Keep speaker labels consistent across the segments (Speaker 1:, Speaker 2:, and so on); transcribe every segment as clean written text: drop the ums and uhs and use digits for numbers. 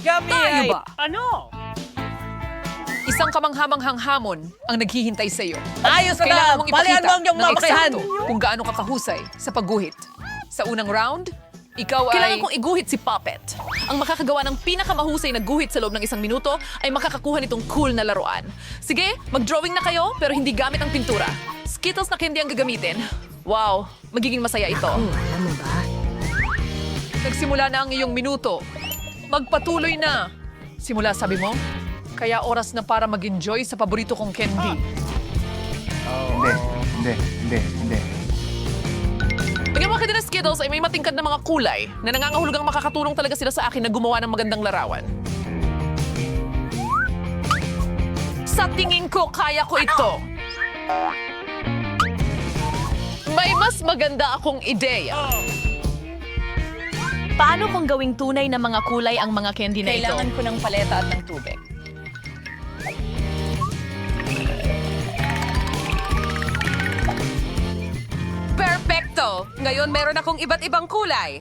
Speaker 1: Kami
Speaker 2: Tayo
Speaker 1: ay...
Speaker 2: ba?
Speaker 1: Ano?
Speaker 3: Isang kamanghamanghang hamon ang naghihintay sa iyo.
Speaker 1: Ayos na
Speaker 3: Kailangan
Speaker 1: na!
Speaker 3: mong
Speaker 1: Palihan
Speaker 3: ipakita
Speaker 1: mo ang iyong
Speaker 3: ng
Speaker 1: mamakihan!
Speaker 3: eksakto kung gaano ka kahusay sa pagguhit. Sa unang round, ikaw
Speaker 2: Kailangan
Speaker 3: ay...
Speaker 2: kong iguhit si Puppet. Ang makakagawa ng pinakamahusay na guhit sa loob ng 1 minuto ay makakakuha nitong cool na laruan. Sige, mag-drawing na kayo pero hindi gamit ang pintura. Skittles na candy ang gagamitin. Wow, magiging masaya ito.
Speaker 3: Nagsimula na ang iyong minuto. Magpatuloy na. Simula, sabi mo? Kaya oras na para mag-enjoy sa paborito kong candy.
Speaker 4: Hindi.
Speaker 2: Bigyan mo ka din ng Skittles ay may matingkad na mga kulay na nangangahulugang makakatulong talaga sila sa akin na gumawa ng magandang larawan. Sa tingin ko, kaya ko ito. May mas maganda akong ideya. Paano kung gawing tunay na mga kulay ang mga candy na ito?
Speaker 3: Kailangan ko ng paleta at ng tubig.
Speaker 5: Perfecto! Ngayon meron akong iba't ibang kulay.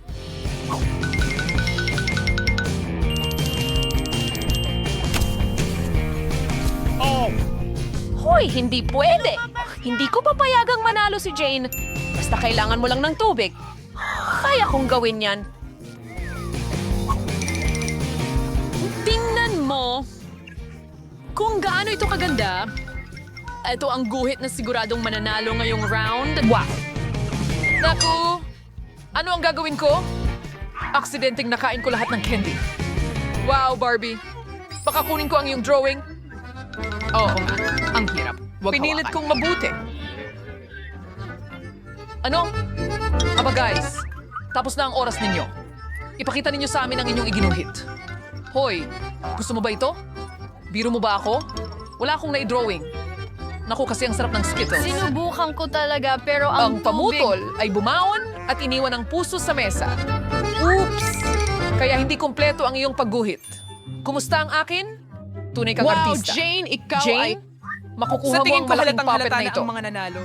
Speaker 2: Hoy, hindi pwede. Hindi ko papayagang manalo si Jane. Basta kailangan mo lang ng tubig. Kaya kong gawin yan. Tingnan mo kung gaano ito kaganda. Ito ang guhit na siguradong mananalo ngayong round.
Speaker 3: Wow! Naku! Ano ang gagawin ko? Aksidenteng nakain ko lahat ng candy. Wow, Barbie! Baka kunin ko ang iyong drawing. Oo nga, ang hirap. Pinilit kong mabuti. Ano? Aba guys, tapos na ang oras ninyo. Ipakita ninyo sa amin ang inyong iginuhit. Hoy, gusto mo ba ito? Biro mo ba ako? Wala akong na-drawing. Naku, kasi ang sarap ng Skittles.
Speaker 6: Sinubukan ko talaga pero
Speaker 3: Ang
Speaker 6: ang
Speaker 3: pamutol ay bumaon at iniwan ang puso sa mesa. Oops! Kaya hindi kompleto ang iyong pagguhit. Kumusta ang akin? Tunay kang
Speaker 2: Wow,
Speaker 3: artista.
Speaker 2: Jane, ikaw ay...
Speaker 3: Jane, makukuha
Speaker 1: Sa
Speaker 3: mo
Speaker 1: tingin
Speaker 3: ang
Speaker 1: ko
Speaker 3: malaking
Speaker 1: halatang
Speaker 3: puppet
Speaker 1: halata
Speaker 3: na
Speaker 1: na
Speaker 3: ito.
Speaker 1: ang mga nanalo.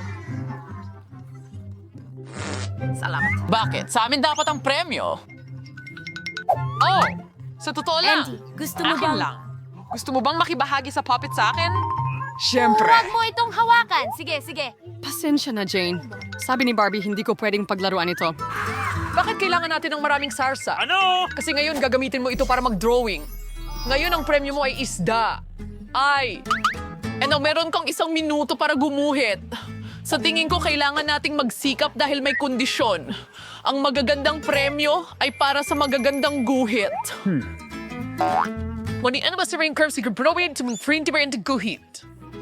Speaker 2: Salamat. Bakit? Sa amin dapat ang premyo. Oh, sa totoo lang.
Speaker 6: Andy, gusto mo
Speaker 2: Akin
Speaker 6: bang...
Speaker 2: lang. Gusto mo bang makibahagi sa puppet sa akin?
Speaker 6: Huwag mo itong hawakan. Sige, sige.
Speaker 7: Pasensya na, Jane. Sabi ni Barbie, hindi ko pwedeng paglaruan ito.
Speaker 3: Bakit kailangan natin ng maraming sarsa?
Speaker 1: Ano?
Speaker 3: Kasi ngayon gagamitin mo ito para mag-drawing. Ngayon ang premyo mo ay isda. Ay!
Speaker 2: Ano, meron kang 1 minuto para gumuhit. Sa tingin ko, kailangan nating magsikap dahil may kondisyon. Ang magagandang premyo ay para sa magagandang guhit.
Speaker 3: When the anniversary curves, you can probe to move free into guhit.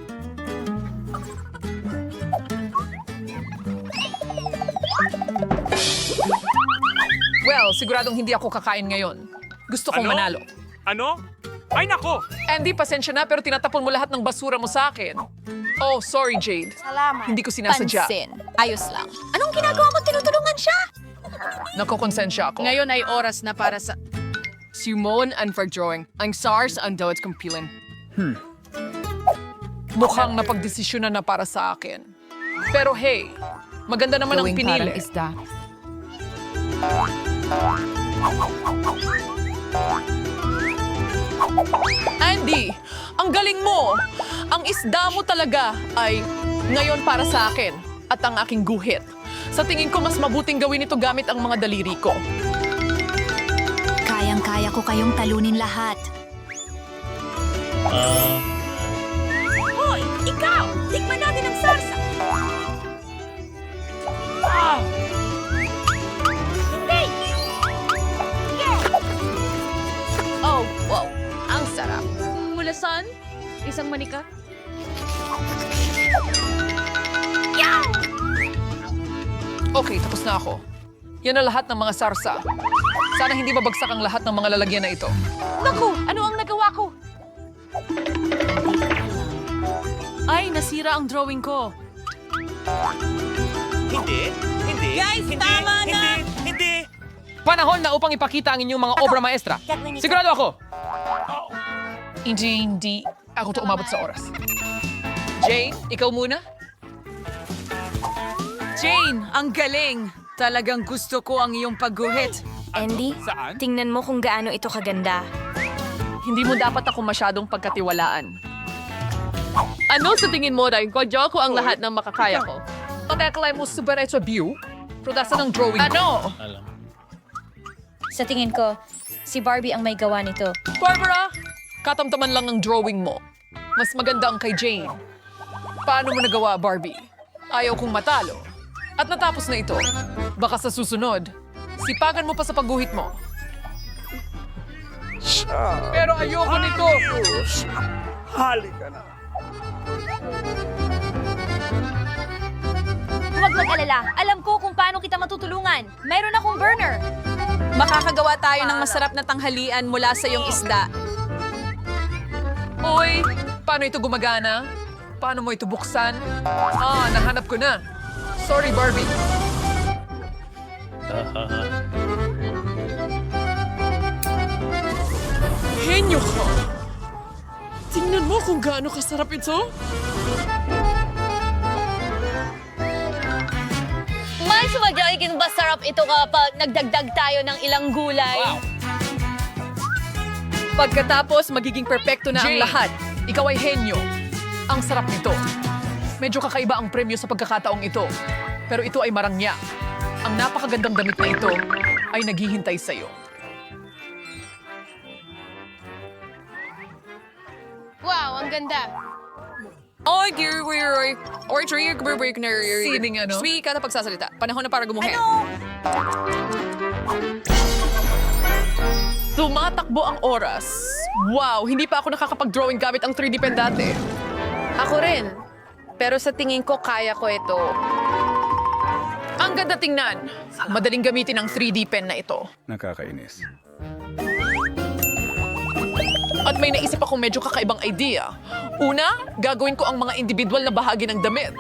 Speaker 3: Well, siguradong hindi ako kakain ngayon. Gusto kong manalo.
Speaker 1: Ano? Ay nako!
Speaker 3: Andy, pasensya na pero tinatapon mo lahat ng basura mo sa akin. Oh, sorry Jade.
Speaker 6: Salamat.
Speaker 3: Hindi ko sinasadya.
Speaker 6: Pansin. Ayos lang. Anong ginagawa mo? Tinutulungan siya?
Speaker 3: Nakokonsensya ako.
Speaker 7: Ngayon ay oras na para sa... Sumon and for drawing. Ang SARS ang daw kumpilan.
Speaker 3: Mukhang napagdesisyonan na para sa akin. Pero hey, maganda naman ang pinili.
Speaker 7: isda.
Speaker 2: Andy, ang galing mo! Ang isda mo talaga ay ngayon para sa akin at ang aking guhit. Sa tingin ko, mas mabuting gawin ito gamit ang mga daliri ko.
Speaker 6: Kayang-kaya ko kayong talunin lahat. Hoy! Ikaw! Tikman natin ang sarsa! Hindi!
Speaker 2: Oh, wow. Ang sarap. Mulasan? Isang manika?
Speaker 3: Okay, tapos na ako. Yan ang lahat ng mga sarsa. Sana hindi mabagsak ang lahat ng mga lalagyan na ito.
Speaker 2: Naku! Ano ang nagawa ko? Ay, nasira ang drawing ko.
Speaker 1: Hindi.
Speaker 5: Guys,
Speaker 1: hindi,
Speaker 5: tama na!
Speaker 1: Hindi!
Speaker 3: Panahon na upang ipakita ang inyong mga obra maestra. Sigurado ako. Hindi ako to umabot sa oras. Jane, ikaw muna?
Speaker 5: Jane, ang galing! Talagang gusto ko ang iyong pagguhit.
Speaker 4: Andy,
Speaker 1: Saan?
Speaker 4: tingnan mo kung gaano ito kaganda.
Speaker 2: Hindi mo dapat ako masyadong pagkatiwalaan. Ano sa tingin mo, Day? Kwadyo ko ang lahat ng makakaya ko.
Speaker 3: Pagkakalay mo super ito view, prodasa ng drawing.
Speaker 2: Ano?
Speaker 8: Sa tingin ko, si Barbie ang may gawa nito.
Speaker 3: Barbara, katamtaman lang ang drawing mo. Mas maganda ang kay Jane. Paano mo nagawa, Barbie? Ayaw kong matalo. At natapos na ito. Baka sa susunod, sipagan mo pa sa pagguhit mo. Pero ayoko nito.
Speaker 1: Halika na.
Speaker 8: Huwag mag-alala. Alam ko kung paano kita matutulungan. Mayroon akong burner.
Speaker 5: Makakagawa tayo ng masarap na tanghalian mula sa iyong isda.
Speaker 3: Uy, paano ito gumagana? Paano mo ito buksan? Nahanap ko na. Sorry, Barbie. Henyo ka! Tingnan mo kung gaano kasarap ito.
Speaker 8: Mas magiging masarap ito kapag nagdagdag tayo ng ilang gulay.
Speaker 2: Pagkatapos, magiging perpekto na ang
Speaker 3: Jane,
Speaker 2: lahat.
Speaker 3: ikaw ay henyo. Ang sarap nito. Medyo kakaiba ang premyo sa pagkakataong ito. Pero ito ay marangya. Ang napakagandang damit na ito ay naghihintay sa'yo.
Speaker 7: Wow, ang ganda.
Speaker 5: Oy, dear, we're or tree, break na
Speaker 3: Sining ano?
Speaker 5: Sweet ka na pagsasalita. Panahon na para gumuhin.
Speaker 2: Tumatakbo ang oras. Wow, hindi pa ako nakakapag-drawing gamit ang 3D pen dati.
Speaker 5: Ako rin. Pero sa tingin ko, kaya ko ito.
Speaker 2: Ang ganda tingnan. Madaling gamitin ang 3D pen na ito.
Speaker 1: Nakakainis.
Speaker 2: At may naisip akong medyo kakaibang idea. Una, gagawin ko ang mga individual na bahagi ng damit.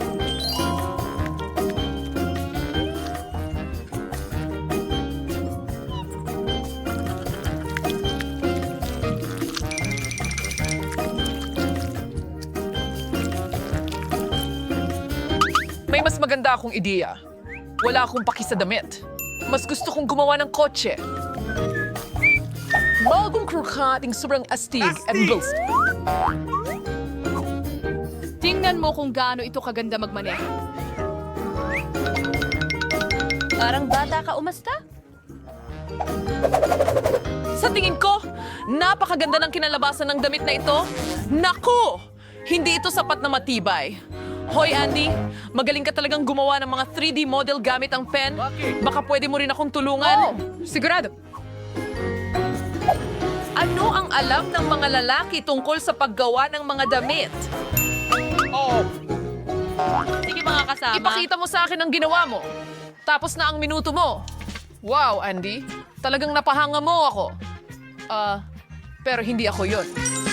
Speaker 3: May mas maganda akong ideya. Wala akong paki sa damit. Mas gusto kong gumawa ng kotse. Bagong krokating sobrang astig at boast.
Speaker 7: Tingnan mo kung gaano ito kaganda magmaneho.
Speaker 8: Parang bata ka umasta.
Speaker 2: Sa tingin ko, napakaganda ng kinalabasan ng damit na ito. Naku! Hindi ito sapat na matibay. Hoy Andy, magaling ka talagang gumawa ng mga 3D model gamit ang pen. Baka pwede mo rin akong tulungan.
Speaker 3: Sigurado.
Speaker 2: Ano ang alam ng mga lalaki tungkol sa paggawa ng mga damit?
Speaker 8: Sige mga kasama.
Speaker 2: Ipakita mo sa akin ang ginawa mo. Tapos na ang minuto mo.
Speaker 3: Wow, Andy. Talagang napahanga mo ako. Pero hindi ako yon.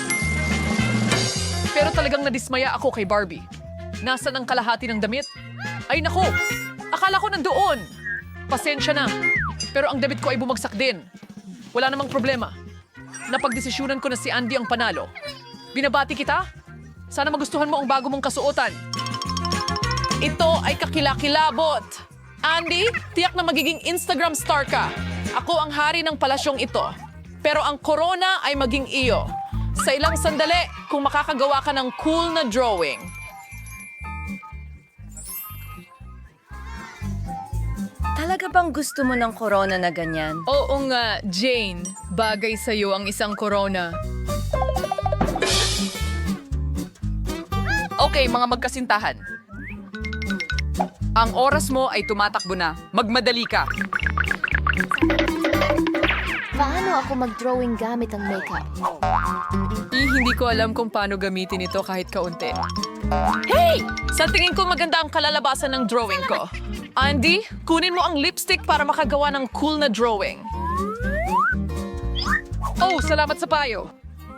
Speaker 3: Pero talagang nadismaya ako kay Barbie. Nasaan ang kalahati ng damit? Ay naku, akala ko nandoon. Pasensya na. Pero ang damit ko ay bumagsak din. Wala namang problema. Napagdesisyonan ko na si Andy ang panalo. Binabati kita. Sana magustuhan mo ang bago mong kasuotan.
Speaker 2: Ito ay kakilakilabot. Andy, tiyak na magiging Instagram star ka. Ako ang hari ng palasyong ito. Pero ang corona ay maging iyo. Sa ilang sandali, kung makakagawa ka ng cool na drawing.
Speaker 4: Talaga bang gusto mo ng corona na ganyan?
Speaker 7: Oo nga, Jane. Bagay sa'yo ang isang corona.
Speaker 5: Okay, mga magkasintahan. Ang oras mo ay tumatakbo na. Magmadali ka.
Speaker 4: Paano ako mag-drawing gamit ang makeup?
Speaker 7: Hindi ko alam kung paano gamitin ito kahit kaunti.
Speaker 2: Hey! Sa tingin ko maganda ang kalalabasan ng drawing ko. Andy, kunin mo ang lipstick para makagawa ng cool na drawing.
Speaker 3: Oh, salamat sa payo.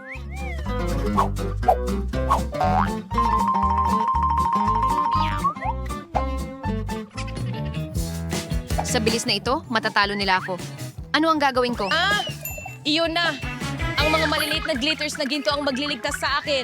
Speaker 5: Sa bilis na ito, matatalo nila ako. Ano ang gagawin ko?
Speaker 8: Iyon na. Ang mga maliliit na glitters na ginto ang magliligtas sa akin.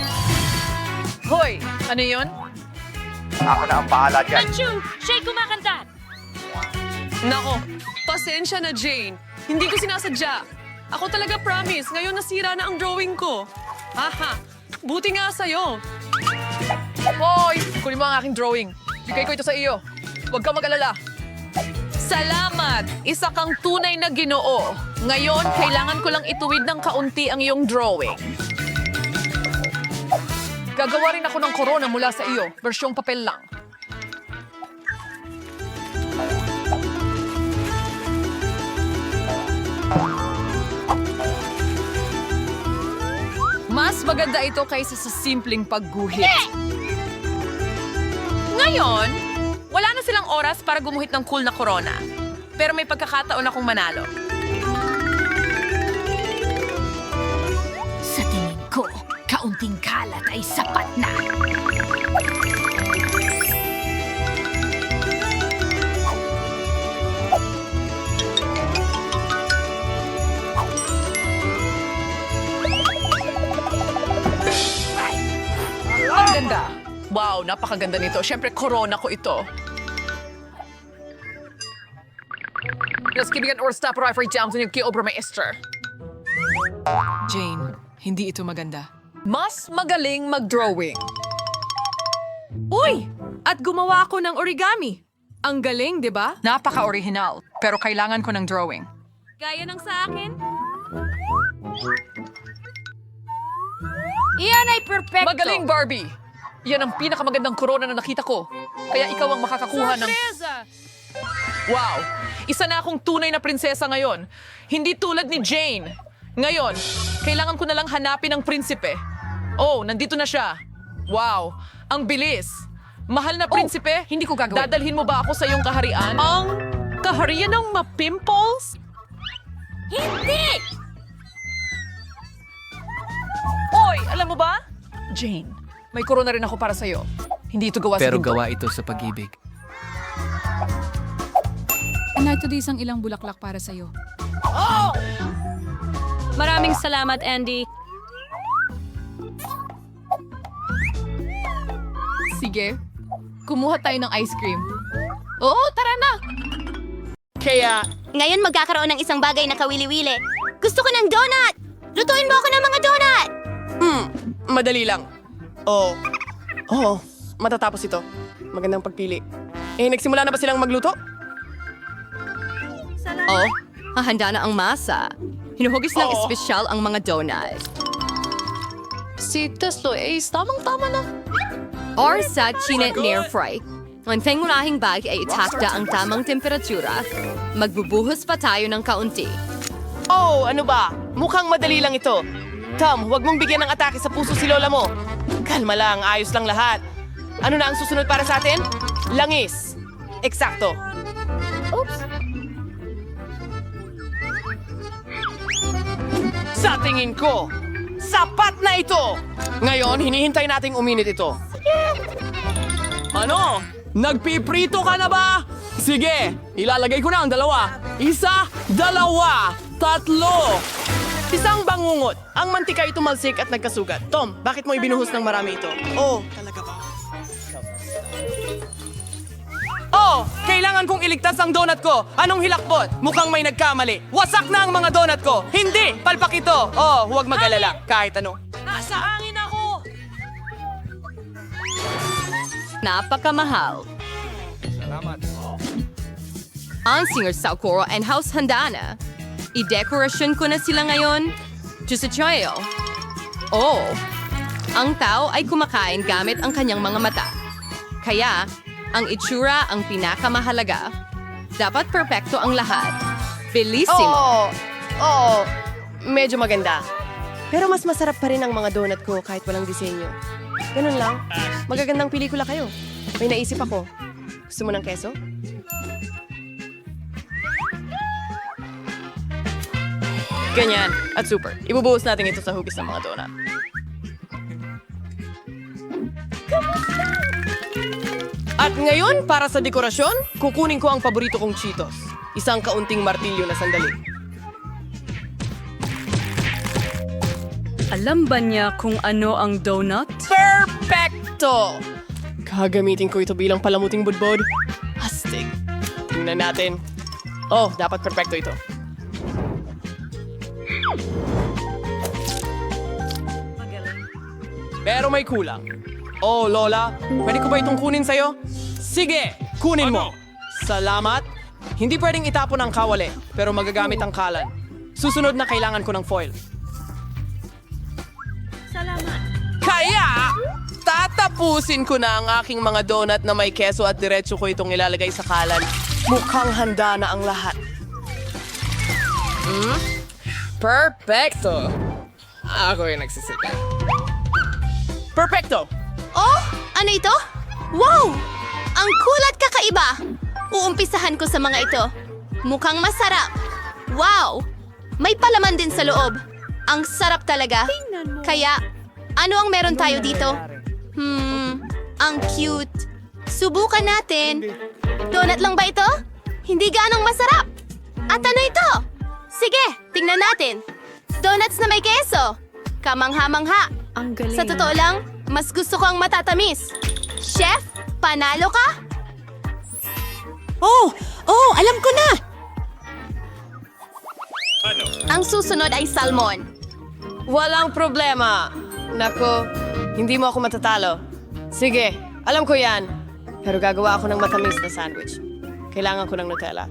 Speaker 2: Hoy, ano yon?
Speaker 1: Ako na ang bahala dyan.
Speaker 6: Achoo! Siya'y kumakanta!
Speaker 2: Nako, pasensya na, Jane. Hindi ko sinasadya. Ako talaga promise, ngayon nasira na ang drawing ko. Haha, buti nga sa'yo.
Speaker 3: Hoy! Kunin mo ang aking drawing. Bigay ko ito sa iyo. Huwag kang mag-alala.
Speaker 2: Salamat! Isa kang tunay na Ginoo. Ngayon, kailangan ko lang ituwid ng kaunti ang iyong drawing.
Speaker 3: Gagawa rin ako ng corona mula sa iyo. Versyong papel lang.
Speaker 2: Mas maganda ito kaysa sa simpleng pagguhit. Ngayon, wala na silang oras para gumuhit ng cool na corona. Pero may pagkakataon akong manalo.
Speaker 6: Sa tingin ko, kaunting kalat ay sapat na.
Speaker 2: Ang ganda! Wow, napakaganda nito. Siyempre, corona ko ito.
Speaker 3: Let's give it or stop right for Johnson yung kay-obra maestra. Jane, hindi ito maganda.
Speaker 2: Mas magaling mag-drawing. Uy! At gumawa ako ng origami. Ang galing, di ba?
Speaker 7: Napaka-original, pero kailangan ko ng drawing.
Speaker 8: Gaya ng sa akin? Iyan ay perfecto.
Speaker 3: Magaling, Barbie! Yan ang pinakamagandang corona na nakita ko. Kaya ikaw ang makakakuha ng...
Speaker 2: Wow! Isa na akong tunay na prinsesa ngayon. Hindi tulad ni Jane. Ngayon, kailangan ko na lang hanapin ang prinsipe. Oh, nandito na siya. Wow! Ang bilis! Mahal na prinsipe,
Speaker 3: hindi ko gagawin.
Speaker 2: Dadalhin mo ba ako sa iyong kaharian? Ang kaharian ng ma-pimples?
Speaker 8: Hindi!
Speaker 2: Oy, alam mo ba? Jane, may corona rin ako para sa'yo. Hindi ito gawa sa
Speaker 9: Pero
Speaker 2: ginto.
Speaker 9: gawa ito sa pag-ibig.
Speaker 10: Narito di isang ilang bulaklak para sa'yo.
Speaker 8: Maraming salamat, Andy.
Speaker 10: Sige, kumuha tayo ng ice cream. Oo, tara na!
Speaker 11: Kaya,
Speaker 8: Ngayon magkakaroon ng isang bagay na kawili-wili. Gusto ko ng donut! Lutuin mo ako ng mga donut!
Speaker 11: madali lang. Oh, matatapos ito. Magandang pagpili. Nagsimula na ba silang magluto?
Speaker 4: Oh, hahanda na ang masa. Hinuhugis ng espesyal ang mga donut.
Speaker 2: Si Teslo Ace, tamang-tama na.
Speaker 4: Or sa chinet near fry. Ang pangunahing bag ay itakda ang tamang temperatura. Magbubuhos pa tayo ng kaunti.
Speaker 11: Oh, ano ba? Mukhang madali lang ito. Tom, huwag mong bigyan ng atake sa puso si lola mo. Kalma lang, ayos lang lahat. Ano na ang susunod para sa atin? Langis. Eksakto. Sa tingin ko, sapat na ito! Ngayon, hinihintay nating uminit ito. Ano? Nagpiprito ka na ba? Sige, ilalagay ko na ang dalawa. Isa, dalawa, tatlo. Isang bangungot. Ang mantika ay tumalsik at nagkasugat. Tom, bakit mo ibinuhos ng marami ito? Oh, talaga ba? Oh, kailangan kong iligtas ang donut ko. Anong hilakbot? Mukhang may nagkamali. Wasak na ang mga donut ko. Hindi, palpak ito. Oh, huwag mag-alala. Kahit ano. Nasa hangin ako.
Speaker 4: Napakamahal. Ang singer Saukoro and House handa na. I-dekorasyon ko na sila ngayon. Diyos sa Choyo. Oh, ang tao ay kumakain gamit ang kanyang mga mata. Kaya, ang itsura ang pinakamahalaga. Dapat perpekto ang lahat. Bellissimo.
Speaker 11: Oo, medyo maganda. Pero mas masarap pa rin ang mga donut ko kahit walang disenyo. Ganun lang. Magagandang pelikula kayo. May naisip ako. Gusto mo ng keso? Ganyan. At super. Ibubuhos natin ito sa hugis ng mga donut. At ngayon, para sa dekorasyon, kukunin ko ang paborito kong Cheetos. Isang kaunting martilyo na sandali.
Speaker 10: Alam ba niya kung ano ang donut?
Speaker 11: Perfecto! Gagamitin ko ito bilang palamuting budbod. Astig. Tingnan natin. Oh, dapat perfecto ito. Pero may kulang. Oh, Lola, pwede ko ba itong kunin sa'yo? Sige, kunin mo. Salamat. Hindi pwedeng itapon ang kawali, pero magagamit ang kalan. Susunod na kailangan ko ng foil.
Speaker 6: Salamat.
Speaker 11: Kaya, tatapusin ko na ang aking mga donut na may keso at diretso ko itong ilalagay sa kalan. Mukhang handa na ang lahat. Perfecto. Ako yung nagsisika. Perfecto!
Speaker 8: Oh, ano ito? Wow! Ang cool at kakaiba! Uumpisahan ko sa mga ito. Mukhang masarap. Wow! May palaman din sa loob. Ang sarap talaga. Kaya, ano ang meron tayo dito? Ang cute. Subukan natin. Donut lang ba ito? Hindi ganong masarap. At ano ito? Sige, tingnan natin. Donuts na may keso. Kamangha-mangha. Sa totoo lang, mas gusto ko ang matatamis. Chef, panalo ka? Oh, alam ko na! Ang susunod ay salmon.
Speaker 11: Walang problema. Nako, hindi mo ako matatalo. Sige, alam ko yan. Pero gagawa ako ng matamis na sandwich. Kailangan ko ng Nutella.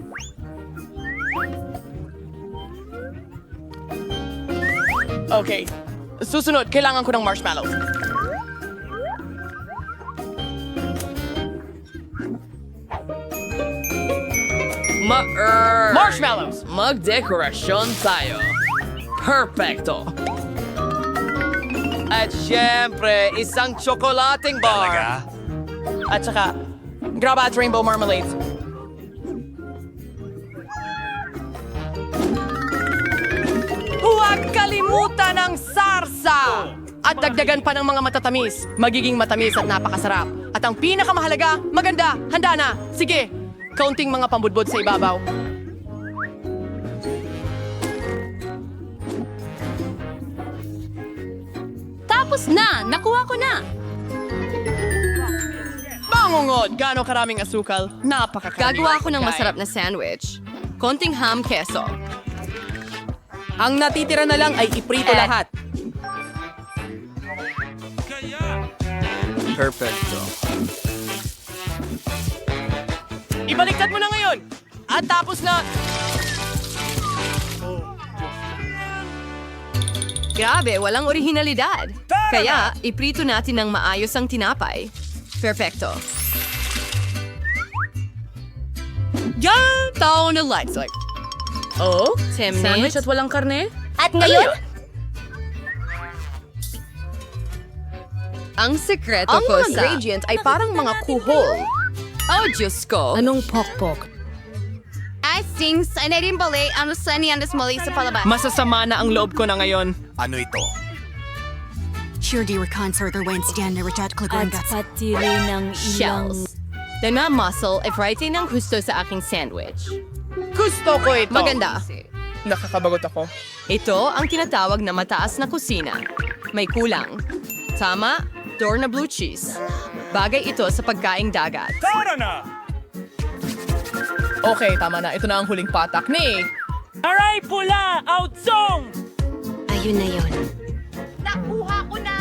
Speaker 11: Okay. Susunod, kailangan ko ng marshmallows. Marshmallows! Magdekorasyon tayo. Perfecto. At syempre, isang tsokolating bar. At saka, graba at rainbow marmalade. Huwag kalimutan ang sarsa! At dagdagan pa ng mga matatamis. Magiging matamis at napakasarap. At ang pinakamahalaga, maganda, handa na. Sige, kaunting mga pambudbod sa ibabaw.
Speaker 4: Tapos na! Nakuha ko na!
Speaker 11: Bangungod! Gaano karaming asukal? Napakakarami.
Speaker 4: Gagawa ako ng masarap na sandwich. Konting ham keso.
Speaker 11: Ang natitira na lang ay iprito lahat.
Speaker 1: Perfecto.
Speaker 11: Ibaliktad mo na ngayon! At tapos na...
Speaker 4: Grabe, walang orihinalidad. Kaya, iprito natin ng maayos ang tinapay. Perfecto.
Speaker 11: Yan! Tao na lights like... Oh?
Speaker 4: Sandwich at
Speaker 11: walang karne?
Speaker 8: At ngayon,
Speaker 4: ang sekreto
Speaker 2: Ang
Speaker 4: ko
Speaker 2: mga
Speaker 4: sa...
Speaker 2: gradient ay parang mga kuhol.
Speaker 4: Oh, Diyos ko.
Speaker 2: Anong pokpok?
Speaker 8: Stings, ay na rin bali ang sani ang muli sa palabas.
Speaker 11: Masasama na ang loob ko na ngayon.
Speaker 1: Ano ito?
Speaker 6: At pati rin ang ilang...
Speaker 4: Shells. Dana muscle ay variety ng gusto sa aking sandwich.
Speaker 11: Gusto ko ito.
Speaker 4: Maganda.
Speaker 11: Nakakabagot ako.
Speaker 4: Ito ang tinatawag na mataas na kusina. May kulang. Tama, door na blue cheese. Bagay ito sa pagkaing dagat.
Speaker 11: Okay, tama na. Ito na ang huling patak ni...
Speaker 6: Aray, pula! Outsong!
Speaker 8: Ayun na yun.
Speaker 6: Nakuha ko na!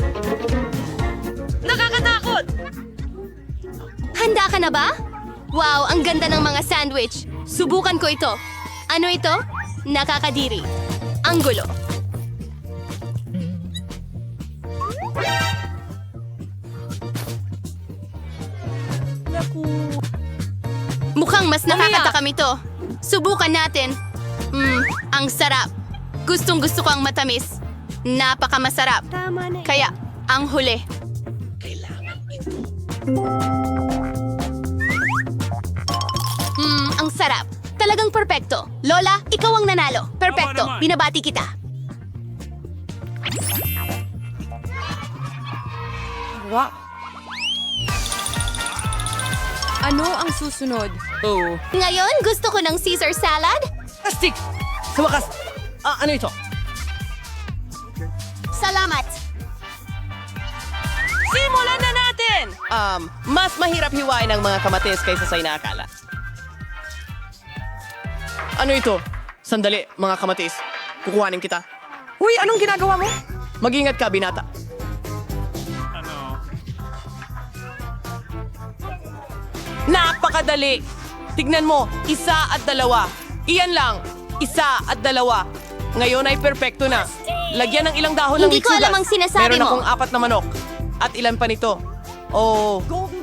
Speaker 8: Nakakatakot! Handa ka na ba? Wow, ang ganda ng mga sandwich. Subukan ko ito. Ano ito? Nakakadiri. Ang gulo. Mukhang mas nakakatakam ito. Subukan natin. Ang sarap. Gustong gusto ko ang matamis. Napakamasarap. Kaya, ang huli. Ang sarap. Talagang perpekto. Lola, ikaw ang nanalo. Perpekto. Binabati kita.
Speaker 4: Ano ang susunod?
Speaker 11: Oh.
Speaker 8: Ngayon, gusto ko ng Caesar salad.
Speaker 11: Astig! Sa wakas! Ano ito?
Speaker 8: Salamat.
Speaker 11: Simulan na natin! Mas mahirap hiwain ang mga kamatis kaysa sa inaakala. Ano ito? Sandali, mga kamatis. Kukuhanin kita. Uy, anong ginagawa mo? Mag-ingat ka, binata. Napakadali! Tignan mo, 1 at 2. Iyan lang, 1 at 2. Ngayon ay perpekto na. Lagyan ng ilang dahon ng
Speaker 8: Hindi ko
Speaker 11: mitsugas.
Speaker 8: alam ang sinasabi
Speaker 11: Meron
Speaker 8: mo.
Speaker 11: akong 4 na manok. At ilan pa nito? Oh,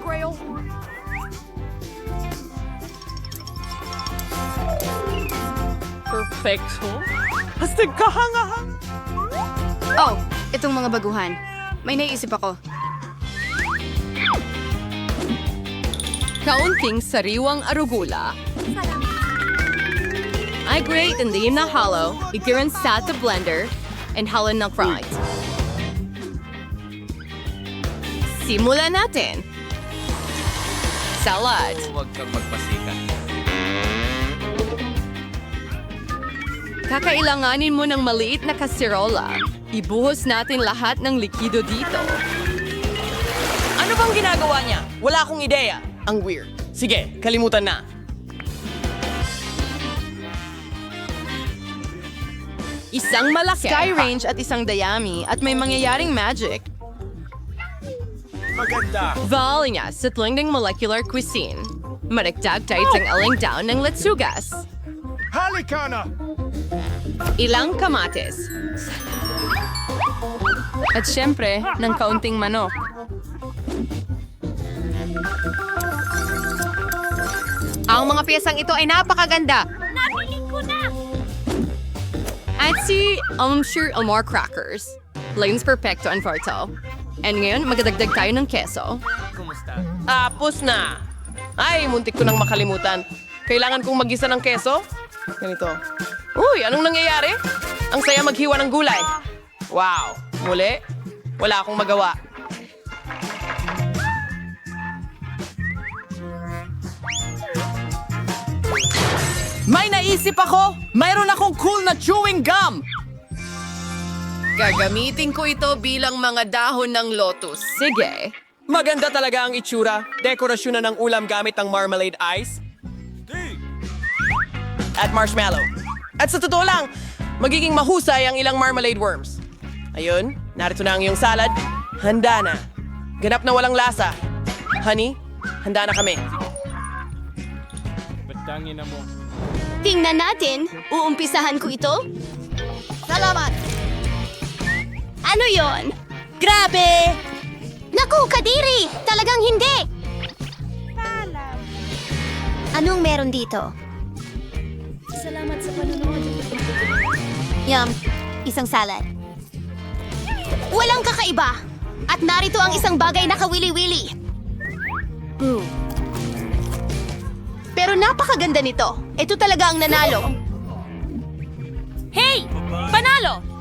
Speaker 11: perfecto. Hastig kahangahang.
Speaker 10: Oh, itong mga baguhan. May naisip ako.
Speaker 4: Kaunting sariwang arugula. I grate and leave na hollow, igiran sa blender, and halon ng fries. Simulan natin. Salad.
Speaker 1: Huwag kang magpasikat.
Speaker 4: Kakailanganin mo ng maliit na kaserola. Ibuhos natin lahat ng likido dito.
Speaker 11: Ano bang ginagawa niya? Wala akong ideya. Ang weird. Sige, kalimutan na.
Speaker 4: Isang malaki.
Speaker 7: Sky range at isang dayami at may mangyayaring magic.
Speaker 1: Maganda.
Speaker 4: Valinya sa tlingding molecular cuisine. Maragdag tayo ng aling down ng letsugas.
Speaker 1: Halika na!
Speaker 4: Ilang kamatis.
Speaker 7: At syempre, ng kaunting manok.
Speaker 5: Ang mga piyesang ito ay napakaganda.
Speaker 6: Nabili ko na!
Speaker 4: At si sure more crackers. Lanes perfecto and farto. And ngayon, magdadagdag tayo ng keso.
Speaker 11: Tapos na. Ay, muntik ko nang makalimutan. Kailangan kong magisa ng keso? Ganito. Uy, anong nangyayari? Ang saya maghiwa ng gulay. Wow. Muli, wala akong magawa. May naisip ako! Mayroon akong cool na chewing gum!
Speaker 4: Gagamitin ko ito bilang mga dahon ng lotus. Sige.
Speaker 11: Maganda talaga ang itsura. Dekorasyon na ng ulam gamit ang marmalade ice. At marshmallow. At sa totoo lang, magiging mahusay ang ilang marmalade worms. Ayun, narito na ang iyong salad. Handa na. Ganap na walang lasa. Honey, handa na kami.
Speaker 1: Batangin na mo.
Speaker 8: Tingnan natin. Uumpisahan ko ito. Salamat! Ano yon? Grabe! Naku, Kadiri! Talagang hindi! Anong meron dito? Salamat sa panonood. Yum, isang salad. Walang kakaiba! At narito ang isang bagay na kawili-wili. Pero napakaganda nito. Ito talaga ang nanalo.
Speaker 6: Hey! Panalo!